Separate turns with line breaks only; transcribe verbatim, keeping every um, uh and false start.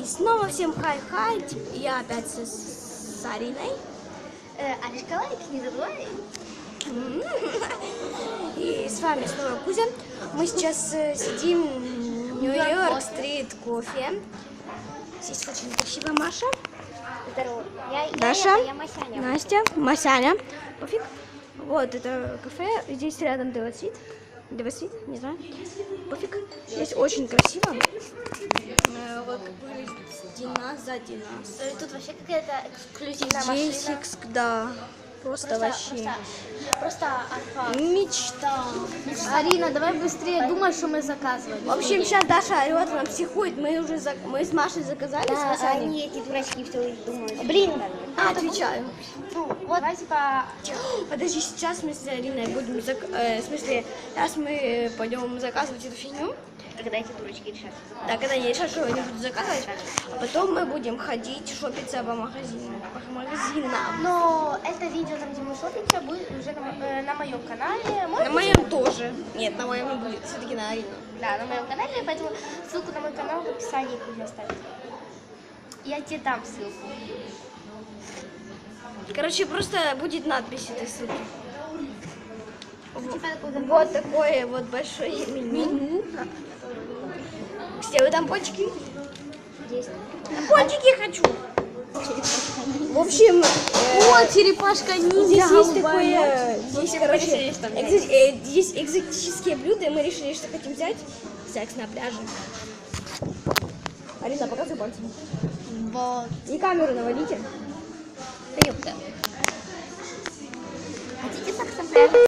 снова всем хай-хай, я опять с, с Ариной.
Э, Аришка, лайк, не забывай.
И с вами снова Кузя. Мы сейчас э, сидим в Нью-Йорк-стрит кофе. Здесь очень красивая Маша.
Здорово. Я,
Даша,
я, это, я Масяня.
Настя, Масяня. Пофиг. Вот это кафе. Здесь рядом Девасвит. Девасвит, не знаю. Пофиг. Здесь очень красиво. Э, вот Дина сзади нас.
Э, Тут вообще какая-то эксклюзивная
Здесь,
машина.
экс- да, просто,
Просто,
вообще.
просто, просто арфа.
Мечта.
Арина, давай быстрее думай, что мы заказывали.
В общем, сейчас Даша орет, она психует. Мы уже зак- мы с Машей заказали.
Да,
с Масяней.
они эти дурачки все думают. Блин.
А, отвечаю.
Ну, вот, давай, типа...
Подожди, сейчас мы с Ариной будем, зак- э, в смысле, сейчас мы пойдем заказывать эту фигню.
Когда эти дурачки решат.
Да, когда они решат, что они будут заказывать, а потом мы будем ходить, шопиться по магазинам. По магазинам.
Но это видео, там, где мы шопимся, будет уже на, мо- э, на моем канале. Может
На
быть,
моем тоже. Нет, на моем не будет, все-таки на Арину.
Да, на моем канале, поэтому ссылку на мой канал в описании Кузя оставит. Я тебе дам ссылку.
Короче, просто будет надпись этой ссылки.
Типа такой
Вот такое вот большое меню. Все вы там пончики?
есть.
Пончики хочу. В общем, э,
О, черепашка ниндзя.
здесь есть
голубая.
такое, здесь, короче, экзо- э, здесь экзотические блюда, и мы решили, что хотим взять секс на пляже. Арина, показывай пальцем.
Вот.
И камеру наводите.
Да ёпта. Хотите секс на пляже?